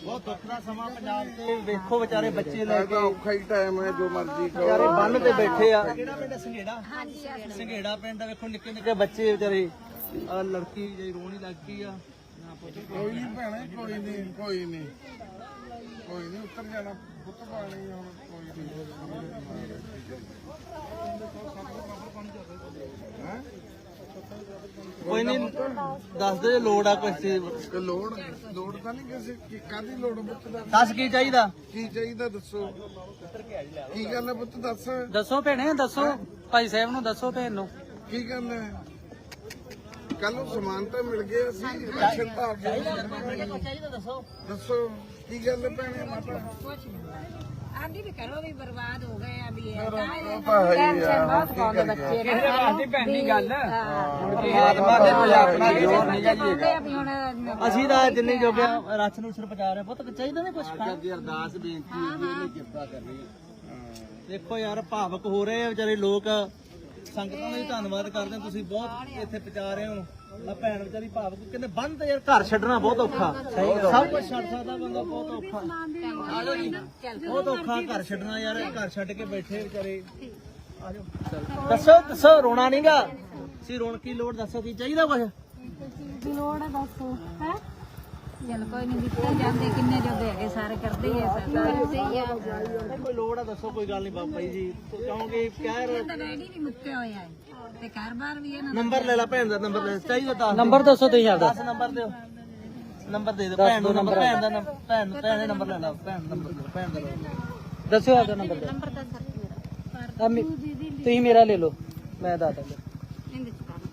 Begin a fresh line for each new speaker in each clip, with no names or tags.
ਬਹੁਤ ਦੁੱਖ ਦਾ ਸਮਾਂ ਪੰਜਾਬ ਤੇ ਵੇਖੋ ਵਿਚਾਰੇ ਬੱਚੇ ਲੈ ਕੇ
ਔਖਾ ਹੀ ਟਾਈਮ ਹੈ ਜੋ ਮਰਜ਼ੀ ਕਰੋ।
ਵਿਚਾਰੇ ਬੰਨ ਤੇ ਬੈਠੇ ਆ। ਕਿਹੜਾ ਪਿੰਡ ਸੰਘੇੜਾ? ਸੰਘੇੜਾ ਪਿੰਡ ਦਾ ਵੇਖੋ ਨਿੱਕੇ ਨਿੱਕੇ ਬੱਚੇ ਵਿਚਾਰੇ ਆ ਲੜਕੀ ਜਿਹੜੀ ਰੋਣੀ ਲੱਗ ਗਈ ਆ।
ਕੋਈ ਨਹੀਂ ਭੈਣੇ ਕੋਈ ਨਹੀਂ ਕੋਈ ਨਹੀਂ ਕੋਈ ਨਹੀਂ ਉੱਤਰ ਜਾਣਾ ਪੁੱਤ ਪਾਣੀ ਹੁਣ ਕੋਈ ਨਹੀਂ।
ਕੋਈ ਨਹੀਂ ਦੱਸ ਦੇ ਲੋੜ ਆ ਕੁਛ ਚੀਜ਼।
ਤੇ ਲੋੜ ਤਾਂ ਨਹੀਂ ਕਿਸੇ ਕਾਹਦੀ ਲੋੜ ਪੁੱਤ ਦਾ
ਦੱਸ ਕੀ ਚਾਹੀਦਾ?
ਕੀ ਚਾਹੀਦਾ ਦੱਸੋ ਕੀ ਗੱਲ ਹੈ ਪੁੱਤ ਦੱਸ
ਦੱਸੋ ਭੈਣੇ ਦੱਸੋ ਭਾਈ ਸਾਹਿਬ ਨੂੰ ਦੱਸੋ ਭੈਣ ਨੂੰ
ਕੀ ਗੱਲ ਹੈ ਕੱਲ ਨੂੰ ਸਮਾਨ ਤਾਂ ਮਿਲ ਗਿਆ ਅਸੀਂ ਰਾਸ਼ਨ ਤਾਂ ਆ ਗਿਆ
ਚਾਹੀਦਾ ਦੱਸੋ।
ਦੱਸੋ ਕੀ ਗੱਲ ਹੈ ਭੈਣੇ ਮਾਤਾ
ਆਂਦੀ ਵੀ ਕਰੋ ਵੀ ਬਰਬਾਦ ਹੋ ਗਏ ਆ ਵੀ
ਉਹ ਤਾਂ ਹੈ ਹੀ ਆ ਕੀ ਕਰੀਏ
ਕਿਸੇ ਵਾਸਤੇ ਭੈਣੀ ਗੱਲ
ਆਤਮਾ ਦੇ ਕੋਈ ਆਪਣਾ ਜੋਰ ਨਹੀਂ ਜਾਈਏਗਾ।
ਵੀ ਹੁਣ
ਅਸੀਂ ਤਾਂ ਜਿੰਨੀ ਜੋਗਿਆ ਰਚ ਨੂੰ ਸਿਰ ਪਹੁੰਚਾ ਰਹੇ ਪੁੱਤ ਚਾਹੀਦਾ ਨੇ ਕੁਛ ਦੀ ਅਰਦਾਸ ਬੇਨਤੀ ਹੈ ਜੀ ਇਹਨੇ ਕਿਰਪਾ ਕਰਨੀ। ਦੇਖੋ ਯਾਰ ਭਾਵਕ ਹੋ ਰਹੇ ਆ ਵਿਚਾਰੇ ਲੋਕ। ਸੰਗਤਾਂ ਦਾ ਵੀ ਧੰਨਵਾਦ ਕਰਦੇ ਹਾਂ, ਤੁਸੀਂ ਬਹੁਤ ਇੱਥੇ ਪਹੁੰਚਾ ਰਹੇ ਹੋ। ਆ ਭੈਣ ਵਿਚਾਰੀ ਭਾਵਕ ਕਹਿੰਦੇ ਬੰਦ ਯਾਰ ਘਰ ਛੱਡਣਾ ਬਹੁਤ ਔਖਾ। ਸਭ ਕੁਝ ਛੱਡ ਸਕਦਾ ਬੰਦਾ ਬਹੁਤ ਔਖਾ। ਆਜੋ ਜੀ ਬਹੁਤ ਔਖਾ ਘਰ ਛੱਡਣਾ ਯਾਰ। ਘਰ ਛੱਡ ਕੇ ਬੈਠੇ ਵਿਚਾਰੇ। ਆਜੋ ਦੱਸੋ ਦੱਸੋ ਰੋਣਾ ਨਹੀਂਗਾ। ਤੁਸੀਂ ਰੋਣ ਕੀ ਲੋੜ ਦੱਸੋ ਕੀ ਚਾਹੀਦਾ ਕੁਛ?
ਲੋੜ ਹੈ ਦੱਸੋ ਹੈ ਚਲ ਕੋਈ ਨਹੀਂ ਦਿੱਤੇ ਜਾਂਦੇ ਕਿੰਨੇ ਜੋਗੇ ਹੈਗੇ ਸਾਰੇ ਕਰਦੇ ਹੀ ਆ ਸਹੀ ਆ
ਕੋਈ ਲੋੜ ਆ ਦੱਸੋ ਕੋਈ ਗੱਲ ਨਹੀਂ ਬਾਬਾ ਜੀ ਕਹੋਗੇ ਕਹਿ ਰਹੇ
ਤਾਂ ਰੈਡੀ ਨਹੀਂ ਮੁੱਕੇ ਹੋਇਆ ਹੈ ਤੇ ਘਰ-ਬਾਰ ਵੀ ਇਹਨਾਂ
ਨੰਬਰ ਲੈ ਲੈ ਭੈਣ ਦਾ ਨੰਬਰ ਲੈ ਚਾਹੀਦਾ ਦੱਸ ਨੰਬਰ ਦੱਸੋ ਤੁਸੀਂ ਆਪਦਾ 10 ਨੰਬਰ ਦਿਓ ਨੰਬਰ ਦੇ ਦਿਓ ਭੈਣ ਦਾ ਨੰਬਰ ਭੈਣ ਦਾ ਭੈਣ ਦਾ ਨੰਬਰ ਲੈ ਲਾ ਭੈਣ ਨੰਬਰ ਭੈਣ ਦਾ ਦੱਸਿਓ ਆਪਦਾ ਨੰਬਰ ਦਿਓ
ਨੰਬਰ ਤਾਂ ਸਰ ਮੇਰਾ
ਤੁਸੀਂ ਮੇਰਾ ਲੈ ਲਓ ਮੈਂ ਦੱਸ ਦਾਂਗਾ
ਇਹਦੇ ਚ ਕਰ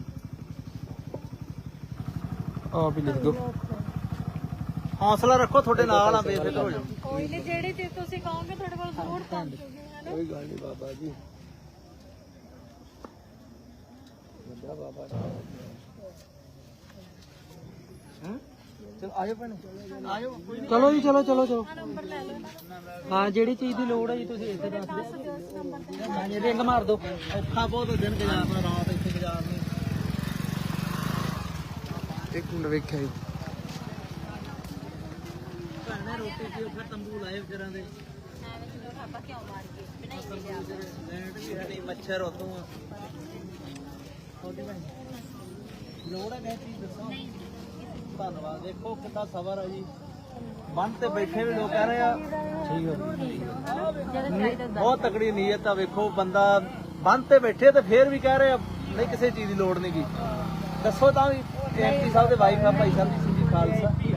ਆ ਵੀ ਲਿਖ ਦਿਓ ਹੌਸਲਾ ਰੱਖੋ ਤੁਹਾਡੇ ਨਾਲ ਆ ਬੇਫਿਕਰ ਹੋ ਜਾਓ
ਕੋਈ ਨਹੀਂ ਜਿਹੜੀ ਚੀਜ਼ ਤੁਸੀਂ ਕਹੋਗੇ ਤੁਹਾਡੇ ਕੋਲ ਜ਼ਰੂਰ ਪਹੁੰਚੂਗੀ ਹੈ ਨਾ
ਕੋਈ ਗੱਲ ਨਹੀਂ ਬਾਬਾ ਜੀ ਵੱਡਾ ਬਾਬਾ ਹਾਂ ਚਲ ਆਜੋ ਭੈਣ ਆਜੋ ਚਲੋ ਜੀ ਚਲੋ ਚਲੋ ਚਲੋ ਹਾਂ ਜਿਹੜੀ ਚੀਜ਼ ਦੀ ਲੋੜ ਹੈ ਜੀ ਤੁਸੀਂ ਇੱਥੇ ਦੱਸ ਦਿਓ ਮੈਂ ਰਿੰਗ ਮਾਰ ਦਿਓ ਔਖਾ ਬਹੁਤ ਦਿਨ ਗੁਜ਼ਾਰਨਾ ਰਾਤ ਇੱਥੇ ਗੁਜ਼ਾਰਨੀ
ਇੱਕ ਮਿੰਟ ਵੇਖਿਆ ਜੀ
ਭੈਣੇ ਰੋਟੀ ਪੀਓ ਫਿਰ ਤੰਬੂ ਲਾਏ ਵਿਚਾਰਾਂ ਦੇ
ਆਪਾਂ ਕਿਉਂ ਮਾਰ ਕੇ
ਲੈਂਡ ਵੀ ਸਾਡੀ ਮੱਛਰ ਉਤੋਂ ਆ ਲੋੜ ਹੈ ਕਿਸੇ ਚੀਜ਼ ਦੱਸੋ ਧੰਨਵਾਦ ਦੇਖੋ ਕਿੰਨਾ ਸਬਰ ਆ ਜੀ ਬੰਨ ਤੇ ਬੈਠੇ ਵੀ ਲੋਕ ਕਹਿ ਰਹੇ ਆ ਠੀਕ ਹੈ ਬਹੁਤ ਤਕੜੀ ਨੀਅਤ ਆ ਵੇਖੋ ਬੰਦਾ ਬੰਨ ਤੇ ਬੈਠੇ ਤੇ ਫੇਰ ਵੀ ਕਹਿ ਰਹੇ ਆ ਨਹੀਂ ਕਿਸੇ ਚੀਜ਼ ਦੀ ਲੋੜ ਨਹੀਂ ਗੀ ਦੱਸੋ ਤਾਂ ਵੀ ਐਮਪੀ ਸਾਹਿਬ ਦੇ ਵਾਈਫ ਆ ਭਾਈ ਸਾਹਿਬ ਜੀ ਖਾਲਸਾ